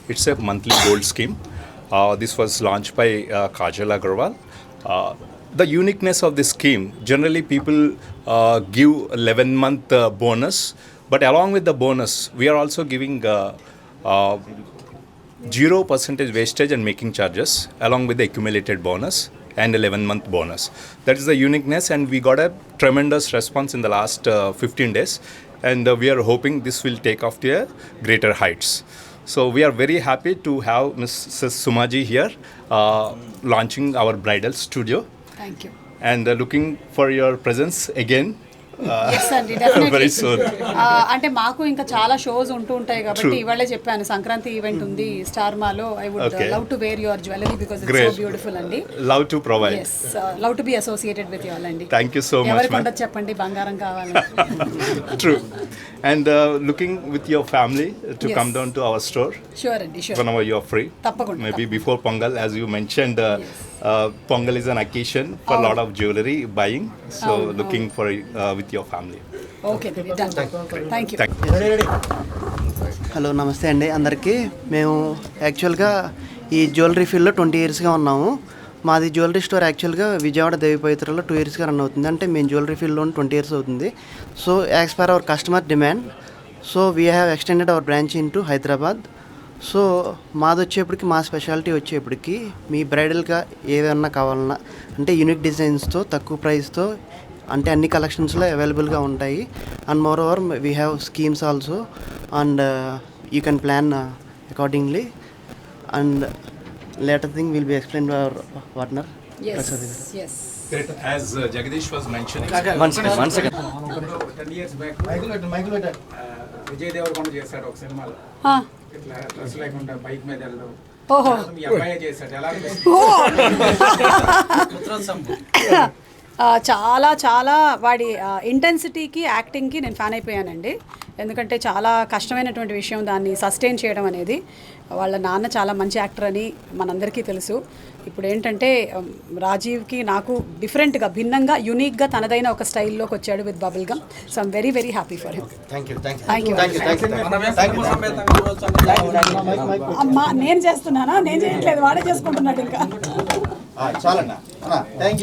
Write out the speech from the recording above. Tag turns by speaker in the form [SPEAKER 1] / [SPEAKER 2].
[SPEAKER 1] It's a monthly gold scheme. This was launched by Kajal Agarwal. The uniqueness of this scheme, generally people give 11-month bonus, but along with the bonus, we are also giving 0% wastage and making charges along with the accumulated bonus and 11-month bonus. That is the uniqueness, and we got a tremendous response in the last 15 days, and we are hoping this will take off to greater heights. So we are very happy to have Mrs. Sumaji here launching our bridal studio.
[SPEAKER 2] Thank you.
[SPEAKER 1] And looking for your presence again.
[SPEAKER 2] Yes అండి, definitely.
[SPEAKER 1] Very soon.
[SPEAKER 2] అంటే మాకు ఇంకా చాలా shows ఉంటూ ఉంటాయి కాబట్టి ఇవాళే చెప్పాను సంక్రాంతి ఈవెంట్ ఉంది స్టార్ మాలో. I would love to wear your jewellery because it's so beautiful అండి.
[SPEAKER 1] Love to provide.
[SPEAKER 2] Yes, love to be associated with you all అండి.
[SPEAKER 1] Thank you so much.
[SPEAKER 2] ఎవరికి ఉండదు చెప్పండి బంగారం కావాలి.
[SPEAKER 1] True. And looking with your family to come down to our store.
[SPEAKER 2] Sure అండి, sure.
[SPEAKER 1] Whenever you are free.
[SPEAKER 2] తప్పకుండా.
[SPEAKER 1] Maybe before Pongal, as you mentioned, Pongal is an occasion for a lot of jewelry buying. So looking for with your family.
[SPEAKER 2] Okay done. Thank you.
[SPEAKER 3] Hello నమస్తే అండి అందరికీ. మేము యాక్చువల్గా ఈ jewellery ఫీల్డ్లో 20 ఇయర్స్గా ఉన్నాము. మాది జ్యువెలరీ స్టోర్ యాక్చువల్గా విజయవాడ దేవిపవిత్రలో 2 ఇయర్స్గా రన్ అవుతుంది. అంటే మేము జ్యువెలరీ ఫీల్డ్లో 20 ఇయర్స్ అవుతుంది. So as per our customer demand, so we have extended our branch in to Hyderabad. So మాది వచ్చేప్పటికి మా స్పెషాలిటీ వచ్చేప్పటికి మీ బ్రైడల్గా ఏదన్నా కావాలన్నా అంటే యూనిక్ డిజైన్స్తో తక్కువ ప్రైస్తో అంటే అన్ని కలెక్షన్స్లో అవైలబుల్గా ఉంటాయి. And moreover we have schemes also and you can plan accordingly. And later thing will be explained by our partner.
[SPEAKER 2] Yes.
[SPEAKER 1] Great. As Jagdish was mentioning.
[SPEAKER 3] One second.
[SPEAKER 4] 10 years back Vijay Deverakonda చేశాడు ఒక సినిమాలో. ఇట్లా dress లేకుండా bike మీద వెళ్ళడం.
[SPEAKER 2] ఓహో,
[SPEAKER 4] మీ అబ్బాయి చేశాడు. ఎలా
[SPEAKER 2] చాలా చాలా వాడి ఇంటెన్సిటీకి యాక్టింగ్కి నేను ఫ్యాన్ అయిపోయానండి. ఎందుకంటే చాలా కష్టమైనటువంటి విషయం దాన్ని సస్టైన్ చేయడం అనేది. వాళ్ళ నాన్న చాలా మంచి యాక్టర్ అని మనందరికీ తెలుసు. ఇప్పుడు ఏంటంటే రాజీవ్కి నాకు డిఫరెంట్గా భిన్నంగా యూనిక్గా తనదైన ఒక స్టైల్లోకి వచ్చాడు with bubble gum. So I'm very very happy for him. Thank you. అమ్మా నేను చేస్తున్నానా? నేను చేయట్లేదు, వాడే చేసుకుంటున్నాడు ఇంకా.